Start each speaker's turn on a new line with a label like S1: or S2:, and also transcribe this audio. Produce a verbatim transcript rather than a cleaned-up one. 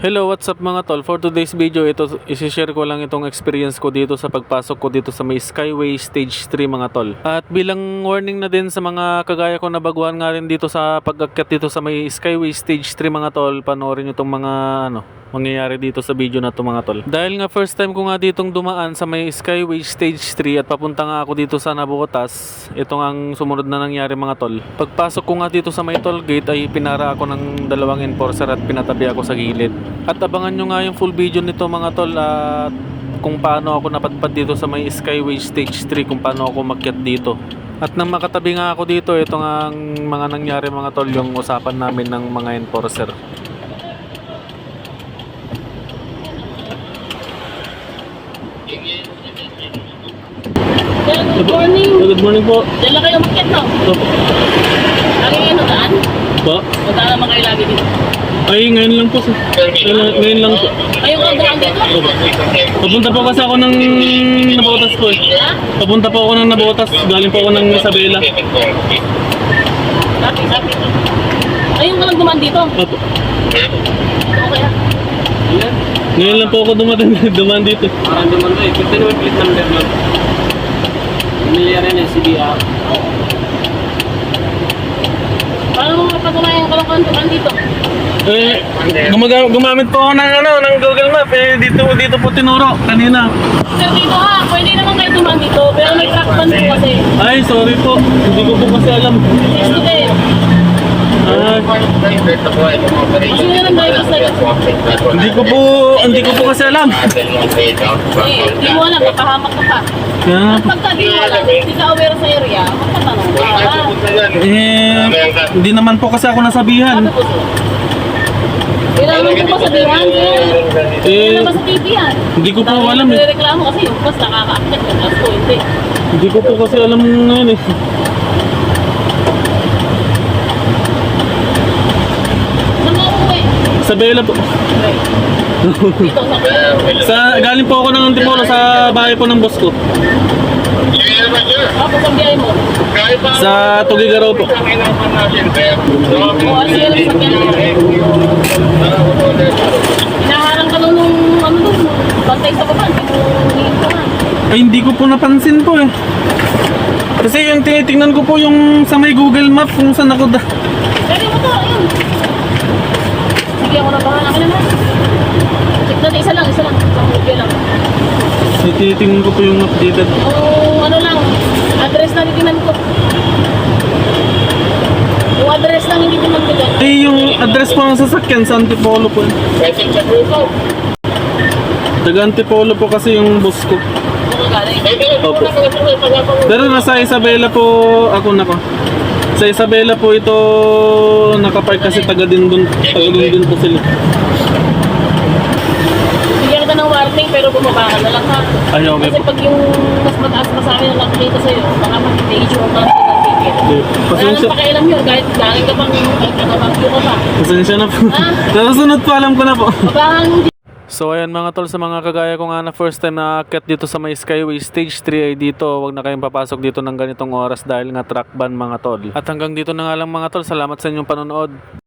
S1: Hello, what's up mga tol? For today's video, ito isi-share ko lang itong experience ko dito sa pagpasok ko dito sa may Skyway Stage three mga tol. At bilang warning na din sa mga kagaya ko na baguhan nga rin dito sa pag-akyat dito sa may Skyway Stage three mga tol, panoorin nyo itong mga ano, mangyayari dito sa video na to mga tol. Dahil nga first time ko nga ditong dumaan sa may Skyway Stage three at papunta nga ako dito sa Navotas, ito nga ang sumunod na nangyari mga tol. Pagpasok ko nga dito sa may toll gate ay pinara ako ng dalawang enforcer at pinatabi ako sa gilid. At abangan nyo nga yung full video nito mga tol at kung paano ako napadpad dito sa may Skyway Stage three, kung paano ako makyat dito. At nang makatabi nga ako dito, ito nga ang mga nangyari mga tol, yung usapan namin ng mga enforcer.
S2: Good morning.
S1: Good morning po.
S2: Diyan lang kayo umakyat, no?
S1: Opo.
S2: Lagi kayo nandaan?
S1: Po?
S2: Nandaan naman kayo lagi dito.
S1: Ay, ngayon lang po. Ngayon, ngayon lang po.
S2: Kayo ka dumaan dito?
S1: Opo. Papunta po kasi ako ng Navotas po eh.
S2: Ha?
S1: Papunta po ako ng Navotas. Galing po ako ng Isabela.
S2: Sabi, sabi. Ayun ka lang dumaan dito?
S1: Opo.
S2: Okay ha?
S1: Ngayon lang po ako dumaan, dumaan dito.
S3: Parang duman to eh. Kita naman plate number nun. Pamilyar yan eh, C B R.
S2: Paano mo mapatunayan ka lang dumaan dito?
S1: Eh, gumaga, gumamit po ako ng ano, ng Google Map eh. Dito, dito po tinuro kanina.
S2: Sir, dito ha. Pwede naman kayo dumaan dito. Pero may track ban po kasi.
S1: Ay, sorry po. Hindi ko po kasi alam.
S2: Next to them.
S1: Ah,
S2: Kasi nga ng driver's license.
S1: hindi ko po, hindi ko po kasi alam.
S2: Eh, di mo alam. Papahamak ka pa.
S1: Yeah.
S2: At pagka di mo alam, hindi ka aware sa area, magtatanong ka. Ha?
S1: Eh, hindi naman po kasi ako nasabihan.
S2: Sabi po sir. Kailangan mo ba sabihan, sir?
S1: Eh,
S2: Kailangan ba sa T V yan?
S1: hindi ko po
S2: Dami
S1: alam eh.
S2: nagre-reklamo kasi yung bus nakaka-accept yung bus ko, hindi.
S1: Hindi ko po kasi alam ngayon eh.
S2: Saan mo uuwi?
S1: Sa Bella po.
S2: Okay. Dito sa
S1: Sa, galing po ako ng Antipolo sa bahay po ng boss ko.
S2: Tapos ang biyahe mo.
S1: Sa Tugigaraw po.
S2: O, sige lang sa biyahe. Hinaharang ka lang nung ano doon, bantay sa baba, hindi mo hihintay ka nga.
S1: Ay, hindi ko po napansin po eh. Kasi yung tinitingnan ko po yung sa may Google Map kung saan ako da.
S2: Pwede mo to, ayun. Sige, ako na bahala ka naman. Check natin, isa lang, isa lang. Isang video lang.
S1: Tinitingnan ko po yung updated.
S2: Yung ano lang, address na titingnan ko. Yung address lang hindi titingnan ko dyan.
S1: Eh, yung address po ng sasakyan sa Antipolo po eh. Taga Antipolo po kasi yung boss ko.
S2: Kung galing.
S1: Opo. Pero nasa Isabela po ako na ko. Sa Isabela po ito nakapark kasi taga din dun, taga din dun po sila.
S2: Bigyan kita ng warning pero bumaba ka na lang ha.
S1: Ay, okay
S2: Kasi
S1: po.
S2: pag yung mas mataas pa sa amin ang nakikita sa'yo, baka mag-issue ang mga ng ticket.
S1: Okay.
S2: Wala
S1: Pasensya,
S2: nang pakialam yun kahit galing ka pang nagkakabagyo ka pa.
S1: pasensya na po.
S2: Ah?
S1: Nakasunod po, alam ko na po.
S2: Babahan
S1: So ayan mga tol, sa mga kagaya ko nga na first time na aakyat dito sa may Skyway Stage three ay dito, wag na kayong papasok dito ng ganitong oras dahil nga track ban mga tol. At hanggang dito na nga lang mga tol, salamat sa inyong panonood.